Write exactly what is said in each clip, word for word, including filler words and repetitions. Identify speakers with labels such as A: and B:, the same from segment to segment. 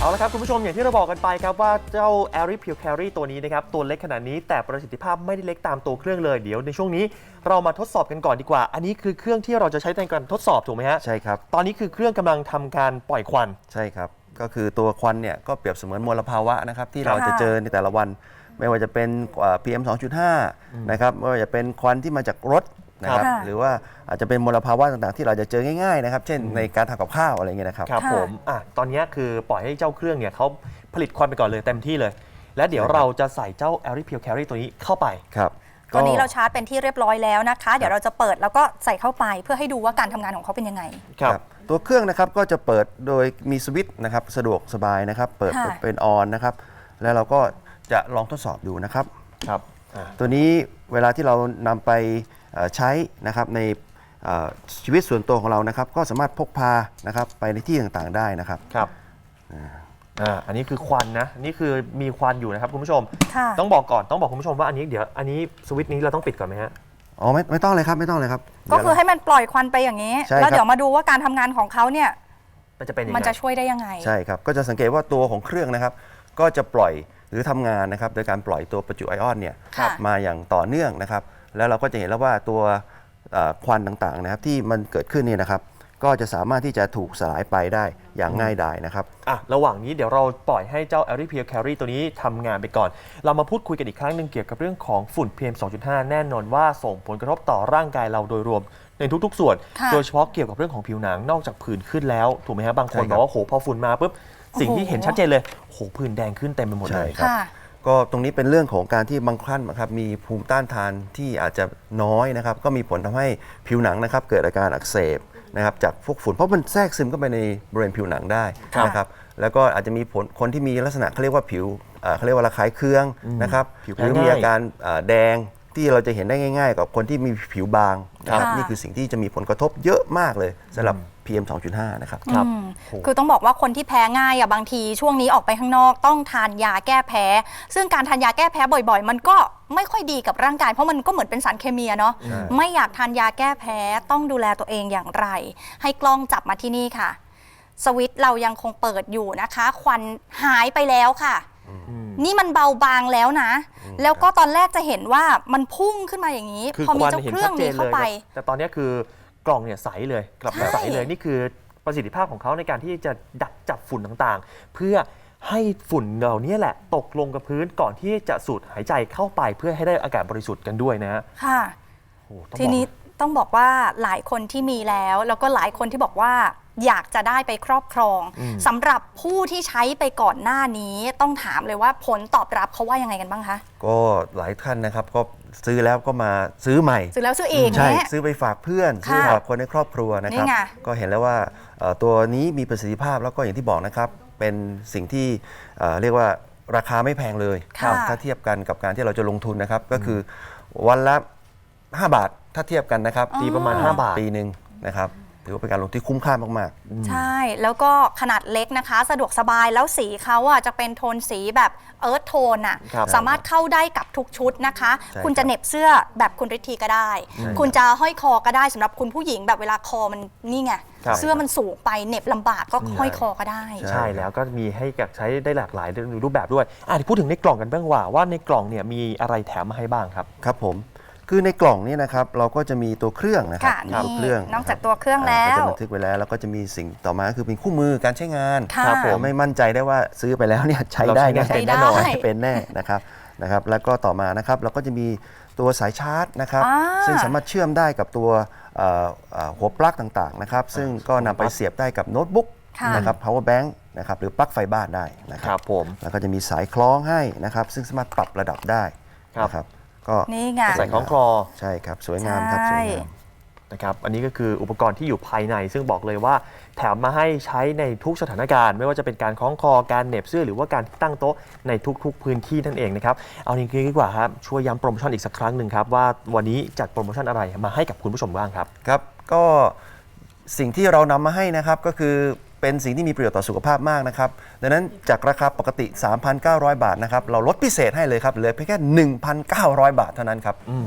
A: เอาละครับคุณผู้ชมอย่างที่เราบอกกันไปครับว่าเจ้า Airy Pure Carry ตัวนี้นะครับตัวเล็กขนาดนี้แต่ประสิทธิภาพไม่ได้เล็กตามตัวเครื่องเลยเดี๋ยวในช่วงนี้เรามาทดสอบกันก่อนดีกว่าอันนี้คือเครื่องที่เราจะใช้ในการทดสอบถูกไหมฮะ
B: ใช่ครับ
A: ตอนนี้คือเครื่องกำลังทำการปล่อยควัน
B: ใช่ครับก็คือตัวควันเนี่ยก็เปรียบเสมือนมลภาวะนะครับที่เราจะเจอในแต่ละวันไม่ว่าจะเป็น พี เอ็ม สองจุดห้า นะครับไม่ว่าจะเป็นควันที่มาจากรถนะครับหรือว่าอาจจะเป็นมลภาวะต่างๆที่เราจะเจอง่ายๆนะครับเช่นในการทำกับข้าวอะไรเงี้ยนะครับ
A: ครับผมอ่ะตอนนี้คือปล่อยให้เจ้าเครื่องเนี่ยเขาผลิตควันไปก่อนเลยเต็มที่เลยและเดี๋ยวเราจะใส่เจ้า Airy Pure Carry ตัวนี้เข้าไป
B: ครับ
C: ตัวนี้เราชาร์จเป็นที่เรียบร้อยแล้วนะคะเดี๋ยวเราจะเปิดแล้วก็ใส่เข้าไปเพื่อให้ดูว่าการทำงานของเขาเป็นยังไง
B: ครับตัวเครื่องนะครับก็จะเปิดโดยมีสวิตช์นะครับสะดวกสบายนะครับเปิดเป็นออนนะครับแล้วเราก็จะลองทดสอบดูนะครับ
A: ครับ
B: ตัวนี้เวลาที่เรานำไปใช้นะครับในชีวิตส่วนตัวของเรานะครับก็สามารถพกพานะครับไปในที่ต่างๆได้นะครับ
A: ครับอ่าอันนี้คือควันนะนี่คือมีควันอยู่นะครับคุณผู้ชมต้องบอกก่อนต้องบอกคุณผู้ชมว่าอันนี้เดี๋ยวอันนี้สวิตช์นี้เราต้องปิดก่อนไหมฮะ
B: อ๋อไม่ไม่ต้องเลยครับไม่ต้องเลยครับ
C: ก็คือให้มันปล่อยควันไปอย่างนี้แล้วเดี๋ยวมาดูว่าการทำงานของเขาเนี่ย
A: มันจะเป็นยังไง
C: มันจะช่วยได้ยังไง
B: ใช่ครับก็จะสังเกตว่าตัวของเครื่องนะครับก็จะปล่อยหรือทำงานนะครับโดยการปล่อยตัวประจุไอออนเนี่ยมาอย่างต่อเนื่องนะครับแล้วเราก็จะเห็นแล้วว่าตัวควันต่างๆนะครับที่มันเกิดขึ้นเนี่ยนะครับก็จะสามารถที่จะถูกสลายไปได้อย่างง่ายดายนะครับ
A: อ่ะระหว่างนี้เดี๋ยวเราปล่อยให้เจ้า Airy Pure Carry ตัวนี้ทำงานไปก่อนเรามาพูดคุยกันอีกครั้งหนึ่งเกี่ยวกับเรื่องของฝุ่น พี เอ็ม สองจุดห้า แน่นอนว่าส่งผลกระทบต่อร่างกายเราโดยรวมในทุกๆส่วนโดยเฉพาะเกี่ยวกับเรื่องของผิวหนังนอกจากผื่นขึ้นแล้วถูกไหมครับบางคนบอกว่าโหพอฝุ่นมาปุ๊บสิ่งที่เห็นชัดเจนเลยโหผื่นแดงขึ้นเต็มไปหมดเลย
B: ครับก็ตรงนี้เป็นเรื่องของการที่บางท่านนะครับมีภูมิต้านทานที่อาจจะน้อยนะครับก็มีผลทำให้ผิวหนังนะครับเกิดอาการอักเสบนะครับจากพวกฝุ่นเพราะมันแทรกซึมเข้าไปในบริเวณผิวหนังได้นะครับแล้วก็อาจจะมีผลคนที่มีลักษณะเขาเรียกว่าผิวเขาเรียกว่าระคายเคืองนะครับหรือมีอาการแดงที่เราจะเห็นได้ง่ายๆกับคนที่มีผิวบางนะครับนี่คือสิ่งที่จะมีผลกระทบเยอะมากเลยสำหรับ พี เอ็ม สองจุดห้า นะครับ
C: ครับคือต้องบอกว่าคนที่แพ้ง่ายอ่ะบางทีช่วงนี้ออกไปข้างนอกต้องทานยาแก้แพ้ซึ่งการทานยาแก้แพ้บ่อยๆมันก็ไม่ค่อยดีกับร่างกายเพราะมันก็เหมือนเป็นสารเคมีเนาะไม่อยากทานยาแก้แพ้ต้องดูแลตัวเองอย่างไรให้กล้องจับมาที่นี่ค่ะสวิตช์เรายังคงเปิดอยู่นะคะควันหายไปแล้วค่ะนี่มันเบาบางแล้วนะแล้วก็ตอนแรกจะเห็นว่ามันพุ่งขึ้นมาอย่างนี้พอมีเจ้าเครื่องนี้เข้าไป
A: แต่ตอนนี้คือกล่องเนี่ยใสเลยกลับมาใสเลยนี่คือประสิทธิภาพของเขาในการที่จะดักจับฝุ่นต่างๆเพื่อให้ฝุ่นเหล่านี้แหละตกลงกับพื้นก่อนที่จะสูดหายใจเข้าไปเพื่อให้ได้อากาศบริสุทธิ์กันด้วยนะ
C: ค่ะทีนี้ต้องบอกว่าหลายคนที่มีแล้วแล้วก็หลายคนที่บอกว่าอยากจะได้ไปครอบครองสำหรับผู้ที่ใช้ไปก่อนหน้านี้ต้องถามเลยว่าผลตอบรับเขาว่ายังไงกันบ้างคะ
B: ก็หลายท่านนะครับก็ซื้อแล้วก็มาซื้อใหม่
C: ซื้อแล้วซื้ออีก
B: ใช่ซื้อไปฝากเพื่อนซื้อฝากคนในครอบครัวนะครับก็เห็นแล้วว่าตัวนี้มีประสิทธิภาพแล้วก็อย่างที่บอกนะครับเป็นสิ่งที่เรียกว่าราคาไม่แพงเลยถ้าเทียบกันกับการที่เราจะลงทุนนะครับก็คือวันละห้าบาทถ้าเทียบกันนะครับ
A: ตีประมาณห้าบาท
B: ปีหนึ่งนะครับถือว่าเป็นการลงที่คุ้มค่ามาก
C: ๆใช่แล้วก็ขนาดเล็กนะคะสะดวกสบายแล้วสีเขาอ่ะจะเป็นโทนสีแบบเอิร์ธโทนอ่ะสามารถเข้าได้กับทุกชุดนะคะคุณจะเหน็บเสื้อแบบคุณฤทธีก็ได้คุณจะห้อยคอก็ได้สำหรับคุณผู้หญิงแบบเวลาคอมันนี่ไงเสื้อมันสูงไปเหน็บลำบากก็ห้อยคอก็ได้
A: ใช่แล้วก็มีให้ใช้ได้หลากหลายรูปแบบด้วยอ่ะพูดถึงในกล่องกันบ้างว่าว่าในกล่องเนี่ยมีอะไรแถมมาให้บ้างครับ
B: ครับผมคือในกล่องนี้นะครับเราก็จะมีตัวเครื่องนะครับ
C: ตัวเครื่องนอกจากตัวเครื่องแล้ว
B: จะบันทึกไว้แล้วแล้วก็จะมีสิ่งต่อมาคือเป็นคู่มือการใช้งานครับผมไม่มั่นใจได้ว่าซื้อไปแล้วเนี่ยใช้ได้แน่เป็นแน่นอนเป็นแน่นะครับนะครับแล้วก็ต่อมานะครับเราก็จะมีตัวสายชาร์จนะครับซึ่งสามารถเชื่อมได้กับตัวหัวปลั๊กต่างๆนะครับซึ่งก็นำไปเสียบได้กับโน้ตบุ๊กนะครับ power bank นะครับหรือปลั๊กไฟบ้านได้นะครับ
A: ผม
B: แล้วก็จะมีสายคล้องให้นะครับซึ่งสามารถปรับระดับได้นะครับก็
C: นี่ไง
A: ใส่คล้องคลอ
B: ใช่ครับสวยงามครับสวยงาม
A: นะครับอันนี้ก็คืออุปกรณ์ที่อยู่ภายในซึ่งบอกเลยว่าแถมมาให้ใช้ในทุกสถานการณ์ไม่ว่าจะเป็นการคล้องคอการเหน็บเสื้อหรือว่าการตั้งโต๊ะในทุกๆพื้นที่นั่นเองนะครับเอาจริงๆดีกว่าครับช่วยย้ำโปรโมชั่นอีกสักครั้งหนึ่งครับว่าวันนี้จัดโปรโมชั่นอะไรมาให้กับคุณผู้ชมบ้างครับ
B: ครับก็สิ่งที่เรานำมาให้นะครับก็คือเป็นสิ่งที่มีประโยชน์ต่อสุขภาพมากนะครับดังนั้นจากราคาปกติ สามพันเก้าร้อย บาทนะครับเราลดพิเศษให้เลยครับเหลือเพียงแค่ หนึ่งพันเก้าร้อย บาทเท่านั้นครับ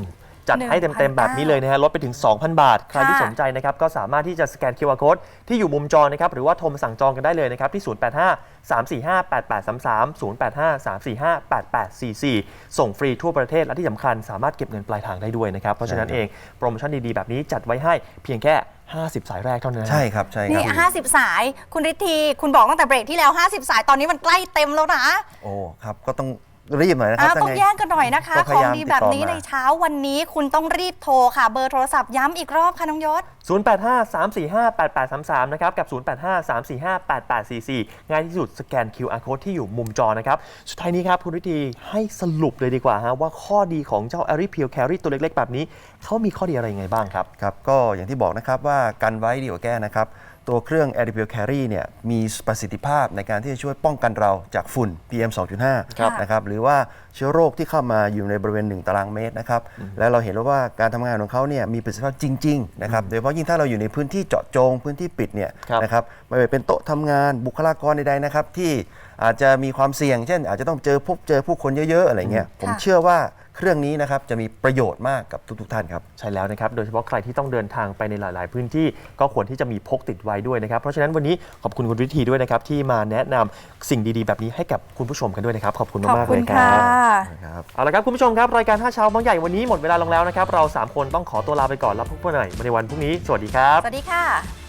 A: จัดให้เต็มๆแบบนี้เลยนะฮะลดไปถึง สองพัน บาท ใครที่สนใจนะครับก็สามารถที่จะสแกน คิว อาร์ Code ที่อยู่มุมจอนะครับหรือว่าโทรมาสั่งจองกันได้เลยนะครับที่ ศูนย์ แปด ห้า สาม สี่ ห้า แปด แปด สาม สาม ศูนย์ แปด ห้า สาม สี่ ห้า แปด แปด สี่ สี่ ส่งฟรีทั่วประเทศและที่สำคัญสามารถเก็บเงินปลายทางได้ด้วยนะครับเพราะฉะนั้นเองโปรโมชั่นดีๆแบบนี้จัดไว้ให้เพียงแค่ห้าสิบสายแรกเท่านั้น
B: ใช่ครับใช่ค
C: นี่
B: รับ
C: ห้าสิบ สายคุณฤทธีคุณบอกตั้งแต่เบรกที่แล้วห้าสิบสายตอนนี้มันใกล้เต็มแล้วนะ
B: โอ้ครับก็ต้องรีบหน่อยนะครับ
C: อ่าต้องแย่งกันหน่อยนะคะ
B: ก็พ
C: ของ
B: ยายาม
C: ดีแบบนี้
B: ติดต่อมา
C: ในเช้าวันนี้คุณต้องรีบโทรค่ะเบอร์โทรศัพท์ย้ำอีกรอบค่ะน้องยศ
A: ศูนย์ แปด ห้า สาม สี่ ห้า แปด แปด สาม สาม นะครับกับ ศูนย์ แปด ห้า สาม สี่ ห้า แปด แปด สี่ สี่ ง่ายที่สุดสแกน คิว อาร์ Code ที่อยู่มุมจอนะครับสุดท้ายนี้ครับคุณวิธีให้สรุปเลยดีกว่าฮะว่าข้อดีของเจ้า Airy Peel Carry ตัวเล็กๆแบบนี้เขามีข้อดีอะไรยังไงบ้างครับ
B: ครับก็อย่างที่บอกนะครับว่ากันไว้ดีกว่าแก้นะครับตัวเครื่อง Airy Peel Carry เนี่ยมีประสิทธิภาพในการที่จะช่วยป้องกันเราจากฝุ่น พี เอ็ม สองจุดห้า
C: ครับ
B: นะครับหรือว่าเชื้อโรคที่เข้ามาอยู่ในบริเวณหนึ่งตารางเมตรนะครับและเราเห็นแล้วว่าการทำงานของเขาเนี่ยมีประสิทธิภาพจริงๆนะครับโดยเฉพาะยิ่งถ้าเราอยู่ในพื้นที่เจาะจงพื้นที่ปิดเนี่ย
A: ครับ
B: นะครับไม่ว่าเป็นโต๊ะทำงานบุคลากรใดๆนะครับที่อาจจะมีความเสี่ยง เช่น อาจจะต้องเจอพบเจอผู้คนเยอะๆอะไรเงี้ยผม
C: ค่ะ
B: เชื่อว่าเครื่องนี้นะครับจะมีประโยชน์มากกับทุกๆท่านครับ
A: ใช่แล้วนะครับ โดยเฉพาะใครที่ต้องเดินทางไปในหลาย ๆ พื้นที่ก็ควรที่จะมีพกติดไว้ด้วยนะครับ เพราะฉะนั้นวันนี้ขอบคุณคุณวิธีด้วยนะครับที่มาแนะนำสิ่งดี ๆ แบบนี้ให้กับคุณผู้ชมกันด้วยนะครับ ขอบคุณ
C: ขอบ
A: มาก ๆ
C: คุ
A: เล
C: ณ
A: ยค
C: ค่ะ
A: รับ เอาละครับคุณผู้ชมครับรายการห้าเช้าบางใหญ่วันนี้หมดเวลาลงแล้วนะครับเราสามคนต้องขอตัวลาไปก่อนแล้วพบกันใหม่ในวันพรุ่งนี้สวัสดีครับ
C: สวัสดีค่ะ